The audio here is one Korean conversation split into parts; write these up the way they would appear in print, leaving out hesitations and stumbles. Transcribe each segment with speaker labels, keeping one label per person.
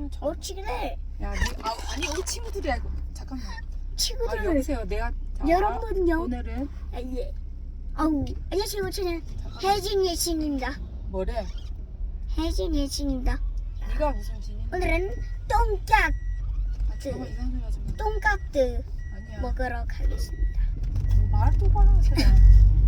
Speaker 1: 친구들.
Speaker 2: 야, 아니 우리 친구들이야. 잠깐만.
Speaker 1: 친구들.
Speaker 2: 아, 여보세요. 내가
Speaker 1: 여러분요.
Speaker 2: 오늘은
Speaker 1: 예. 안녕하세요. 저는 혜진 예친입니다.
Speaker 2: 뭐래?
Speaker 1: 혜진 예친입니다.
Speaker 2: 네가 무슨 진이?
Speaker 1: 오늘은 똥깍
Speaker 2: 아, 잠깐만 이상한 소리 하지 마.
Speaker 1: 똥깍들
Speaker 2: 아니야.
Speaker 1: 먹으러 가겠습니다.
Speaker 2: 말 똑바로 하세요.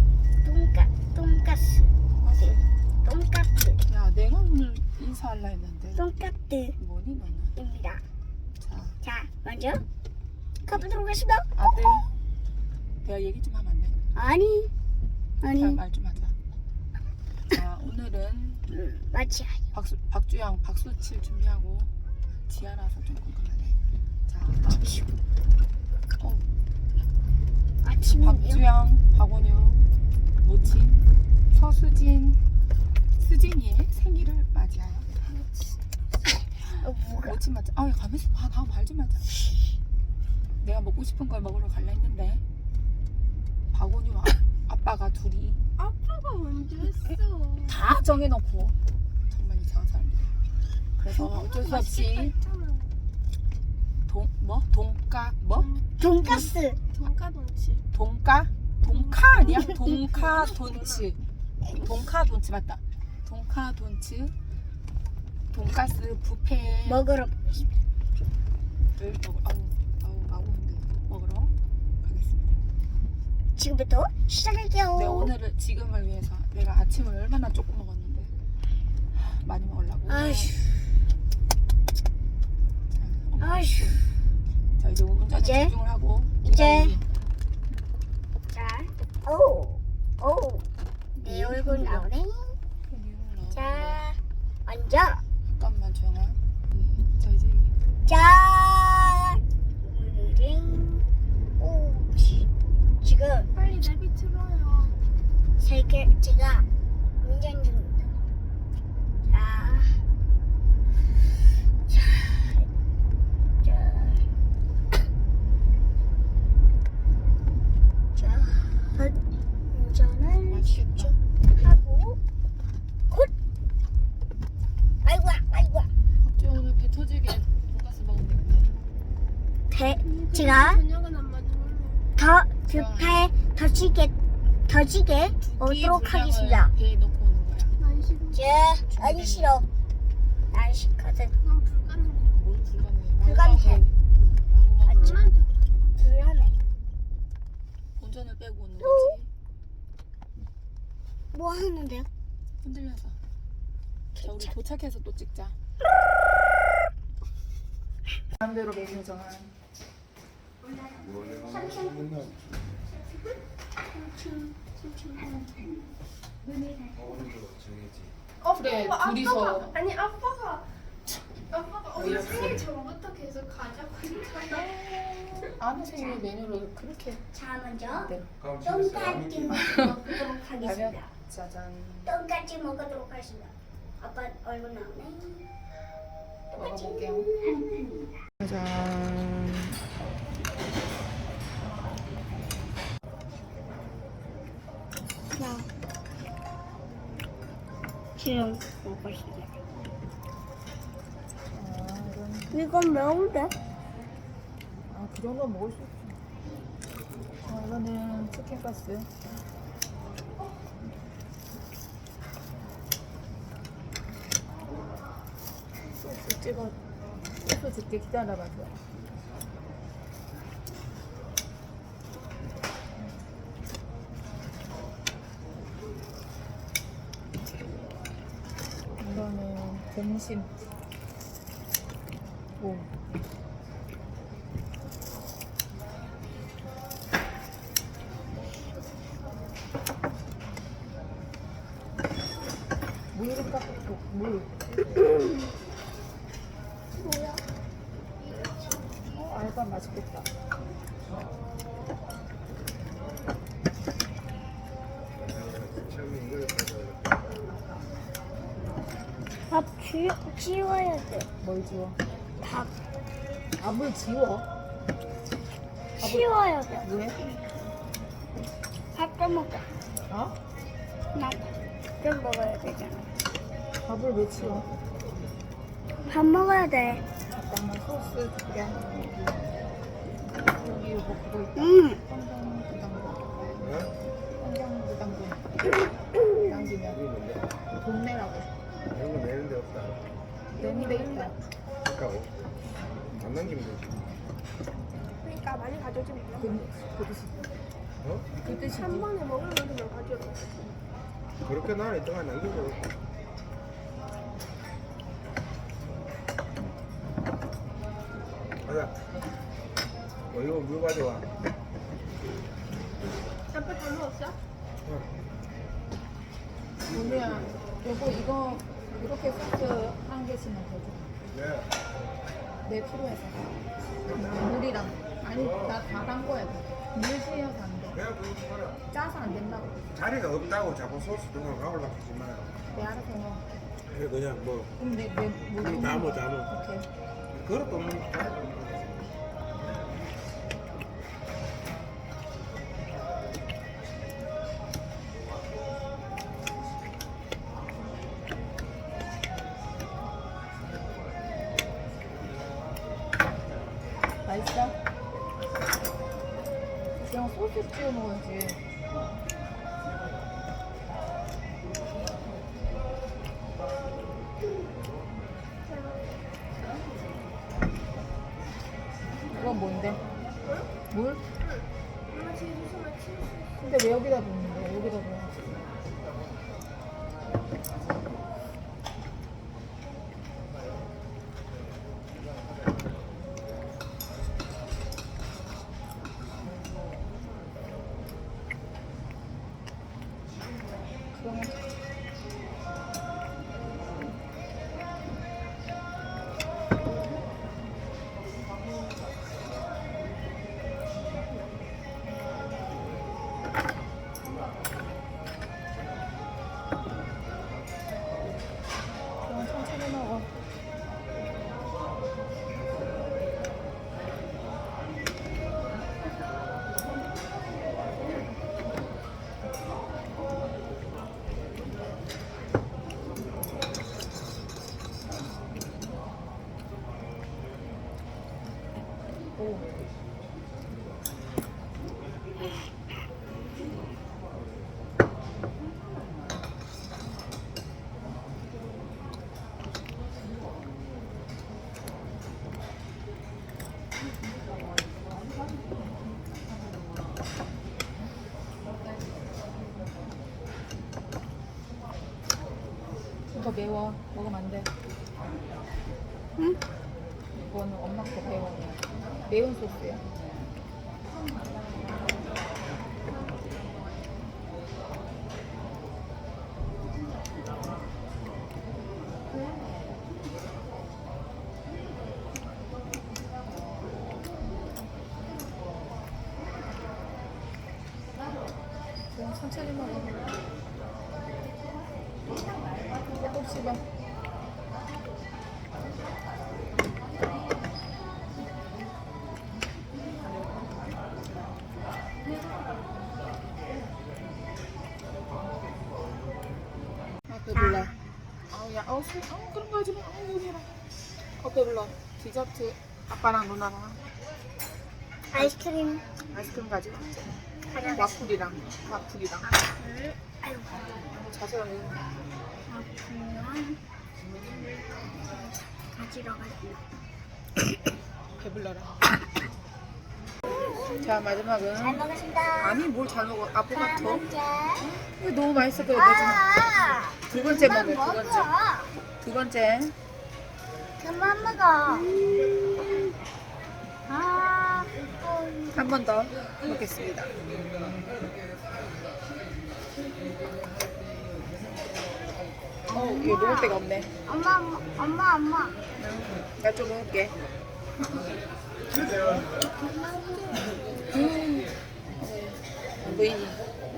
Speaker 1: 똥가스. 똥깍들.
Speaker 2: 야, 내가 오늘 인사하려 했는데.
Speaker 1: 똥깍들입니다.
Speaker 2: 뭐니 너는?
Speaker 1: 자, 먼저 가보도록 하겠습니다.
Speaker 2: 아들, 내가 얘기 좀 하면 안 돼?
Speaker 1: 아니.
Speaker 2: 자, 말 좀 하자. 자, 오늘은
Speaker 1: 맞지.
Speaker 2: 박주영 박수 칠 준비하고 지아라서 좀 궁금하네. 자,
Speaker 1: 아침이요.
Speaker 2: 박주영, 박원유, 모친, 서수진, 수진이의 생일을 맞이하여
Speaker 1: 뭐가?
Speaker 2: 모친 맞자. 아, 가면서 봐. 나 말 좀 하자. 내가 먹고 싶은 걸 먹으러 갈라 했는데 박원유 아빠가 둘이
Speaker 3: 아빠가 먼저 했어.
Speaker 2: 다 정해놓고 정말 이상한 사람들이야. 그래서 어쩔 수 없이
Speaker 1: 돈가스.
Speaker 3: 돈가돈치.
Speaker 2: 돈카 아니야? 돈카 돈츠 맞다. 돈카 돈츠 돈가스 뷔페를
Speaker 1: 먹으러
Speaker 2: 먹으러 가겠습니다.
Speaker 1: 지금부터 시작할게요.
Speaker 2: 네, 오늘은 지금을 위해서 내가 아침을 얼마나 조금 먹었는데 많이 먹으려고.
Speaker 1: 아휴.
Speaker 2: 자,
Speaker 1: 아휴.
Speaker 2: 자, 이제 운전에
Speaker 1: 이제?
Speaker 2: 집중을 하고
Speaker 1: 이제. 자, 내 얼굴 나오네. 자, 앉아.
Speaker 2: 잠깐만 정아. 자, 이제 여기.
Speaker 1: 자, 오늘은 지금
Speaker 3: 빨리 내비 틀어요.
Speaker 1: 제가 운전 중입니다. 운전을
Speaker 2: 맛있겠다.
Speaker 1: 하고 곧. 아이고.
Speaker 2: 갑자기 오늘 배 터지게 돈가스 먹으면
Speaker 1: 제가
Speaker 3: 저녁은 안 만들어.
Speaker 1: 뷔페 더지게 오도록 하겠습니다.
Speaker 2: 배에 넣고 오는 거야.
Speaker 3: 난 싫어.
Speaker 1: 아니 싫어. 난 싫거든.
Speaker 3: 난 불가능해.
Speaker 2: 뭘 불가능해?
Speaker 1: 불가능해.
Speaker 2: 마구마구
Speaker 3: 엄마한테
Speaker 1: 불안해.
Speaker 2: 운전을 빼고 오는 거지.
Speaker 1: 뭐 하는데요?
Speaker 2: 흔들려서. 자, 우리 도착해서 또 찍자. 마음대로 메뉴 정한. 그래, 둘이서.
Speaker 3: 아빠가 오늘 생일 전부터 계속 가자고 했잖아.
Speaker 2: 아무 생일 메뉴를 그렇게.
Speaker 1: 자 먼저
Speaker 2: 네.
Speaker 1: 똥까지 먹도록 하겠습니다.
Speaker 2: 가면 짜잔.
Speaker 1: 똥까지 먹도록 하겠습니다. 아빠 얼굴 나오네.
Speaker 2: 먹어볼게요. 짜잔.
Speaker 1: 지금 먹고 있습니다.
Speaker 2: 이런.
Speaker 1: 이건 매운데?
Speaker 2: 아, 그 정도 먹을 수 있어. 이거는 치킨 가스. 소스 찍어. 소스 찍게 기다려봐줘. 이거는 점심. 오. 물을 깎고 물.
Speaker 1: 뭐야?
Speaker 2: 알바 맛있겠다.
Speaker 1: 밥 지워야 돼.
Speaker 2: 뭘 지워?
Speaker 1: 밥
Speaker 2: 밥을 지워?
Speaker 1: 치워야 돼.
Speaker 2: 왜?
Speaker 1: 밥 좀 먹자.
Speaker 2: 어?
Speaker 1: 나좀 먹어야 되잖아.
Speaker 2: 밥을 왜 치워?
Speaker 1: 밥 먹어야 돼.
Speaker 2: 잠깐만 소스 줄게. 여기 요거 그거 있다. 성경 부담금. 성경 부담금. 남기면
Speaker 4: 이게 뭔데?
Speaker 2: 돈 내라고.
Speaker 4: 이런 거 내는 데 없다.
Speaker 2: 내니 돼 있다.
Speaker 4: 아까워. 안 남기면 되지.
Speaker 3: 그러니까 많이 가져오지 마.
Speaker 2: 그 뜻이.
Speaker 4: 어?
Speaker 2: 그 뜻이지.
Speaker 3: 한 번에 먹을 만큼만 가져오.
Speaker 4: 그렇게 나는 이따가 남기고. 가자. 이거 물 가져와.
Speaker 3: 아빠 다 먹었어?
Speaker 2: 오늘야 요거 이거 이렇게 소스 한 개씩만 더 줘.
Speaker 4: 네.
Speaker 2: 내 필요해서. 물이랑 아니 나 다 담궈야 돼. 물 씌어서 안 돼.
Speaker 4: 그냥 그거 먹어라.
Speaker 2: 짜서 안 된다고.
Speaker 4: 자리가 없다고 자꾸 소스 등을 가올라 하지 마요.
Speaker 2: 내 알아서 해.
Speaker 4: 그래 그냥 뭐
Speaker 2: 그럼 내물
Speaker 4: 담어.
Speaker 2: 오케이.
Speaker 4: 그릇도 없는 거.
Speaker 2: 맛있어? 그냥 소스 찍어 먹어야지. 이건 뭔데? 물?
Speaker 3: 엄마 지금 무슨 말 치울 수 있어?
Speaker 2: 근데 왜 여기다 놓는데? 여기다 놓아야지. 그러면 그럼 천천히 먹어. 오. 이거 매워. 먹으면 안 돼.
Speaker 1: 응?
Speaker 2: 이거는 엄마 거 매워. 매운 소스야. 그냥 천천히 먹어. 조금 씹어. 아 배불러. 아우 야, 그런 거 하지 마. 여기라. 배불러. 디저트 아빠랑 누나랑
Speaker 1: 아이스크림
Speaker 2: 아이스크림 가지고 왔지.
Speaker 1: 가져가겠습니다.
Speaker 2: 와플이랑.
Speaker 1: 아이고.
Speaker 2: 자세히.
Speaker 1: 그냥 가지러 갈게요.
Speaker 2: 배불러라. 자 마지막은
Speaker 1: 잘 먹었습니다.
Speaker 2: 아니 뭘 잘 먹어 아포가토.
Speaker 1: 먹자.
Speaker 2: 이거 너무 맛있어 그래 내가
Speaker 1: 아,
Speaker 2: 두 번째
Speaker 1: 그만
Speaker 2: 먹어
Speaker 1: 먹어.
Speaker 2: 두 번째
Speaker 1: 그만 먹어. 아,
Speaker 2: 한 번 더 먹겠습니다. 이거 먹을 데가 없네.
Speaker 1: 엄마.
Speaker 2: 나 좀 먹을게. 안 보이니?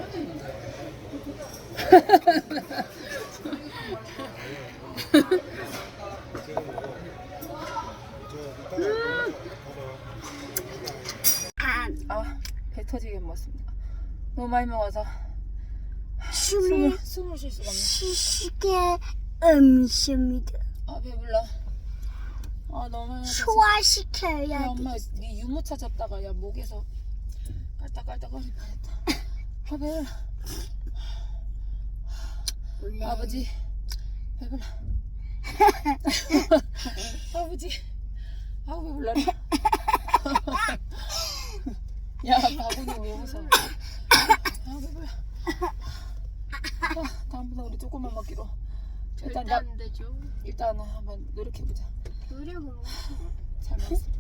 Speaker 2: 배 터지게 먹었습니다. 너무 많이 먹어서
Speaker 1: 숨이
Speaker 2: 숨을 쉴 수가 없네.
Speaker 1: 쉬게 음식입니다.
Speaker 2: 배불러. 너무
Speaker 1: 소화시켜야
Speaker 2: 야
Speaker 1: 돼.
Speaker 2: 엄마 네 유모차 잡다가 야 목에서 깔딱깔딱거릴 뻔했다. 아 배불러.
Speaker 1: 원래
Speaker 2: 아버지 배불러. 아버지 아우 배불러라. 야 바구니 왜 웃어? 아 배불러. 다음부터 우리 조금만 먹기로.
Speaker 3: 절대
Speaker 2: 일단
Speaker 3: 안 되죠.
Speaker 2: 일단 한번 노력해보자.
Speaker 3: 노력은
Speaker 2: 잘 먹었어.